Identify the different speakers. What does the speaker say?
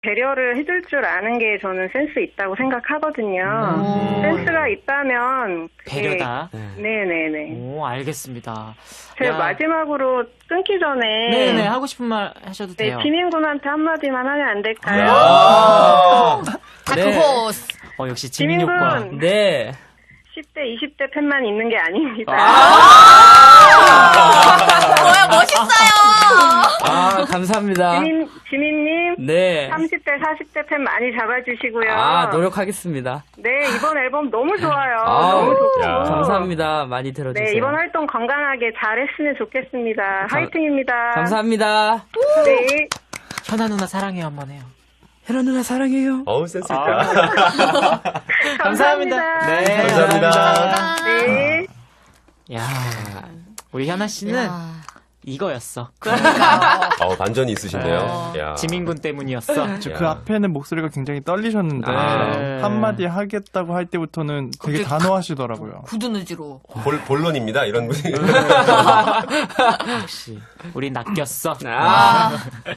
Speaker 1: 배려를 해줄 줄 아는 게 저는 센스 있다고 생각하거든요. 센스가 있다면
Speaker 2: 배려다.
Speaker 1: 네네네.
Speaker 2: 오, 알겠습니다.
Speaker 1: 제가
Speaker 2: 야.
Speaker 1: 마지막으로 끊기 전에
Speaker 2: 네네, 하고 싶은 말 하셔도
Speaker 1: 네,
Speaker 2: 돼요.
Speaker 1: 지민군한테 한마디만 하면 안 될까요?
Speaker 3: 다크호스.
Speaker 2: 역시 지민효과.
Speaker 1: 지민군
Speaker 4: 네.
Speaker 1: 10대, 20대 팬만 있는 게 아닙니다.
Speaker 3: 뭐야, 멋있어요.
Speaker 4: 아, 감사합니다.
Speaker 1: 지민님
Speaker 4: 네.
Speaker 1: 30대, 40대 팬 많이 잡아주시고요.
Speaker 4: 아, 노력하겠습니다.
Speaker 1: 네, 이번 앨범 너무 좋아요.
Speaker 4: 아,
Speaker 1: 너무 좋고.
Speaker 5: 야.
Speaker 4: 감사합니다. 많이 들어주세요.
Speaker 1: 네, 이번 활동 건강하게 잘했으면 좋겠습니다. 화이팅입니다.
Speaker 4: 감사합니다.
Speaker 1: 네.
Speaker 2: 현아 누나 사랑해요 한번 해요.
Speaker 4: 혜라 누나 사랑해요.
Speaker 5: 어우, 센스 있다.
Speaker 1: 감사합니다.
Speaker 2: 네,
Speaker 5: 감사합니다.
Speaker 1: 네.
Speaker 2: 야, 우리 현아 씨는
Speaker 3: 야.
Speaker 2: 이거였어.
Speaker 5: 반전이 있으신데요. 야.
Speaker 2: 지민군 때문이었어.
Speaker 6: 그 앞에는 목소리가 굉장히 떨리셨는데
Speaker 2: 네.
Speaker 6: 한마디 하겠다고 할 때부터는 되게 단호하시더라고요.
Speaker 3: 굳은 의지로.
Speaker 5: 본론입니다. 이런 분위기.
Speaker 2: 역시 우리 낚였어.
Speaker 4: 아.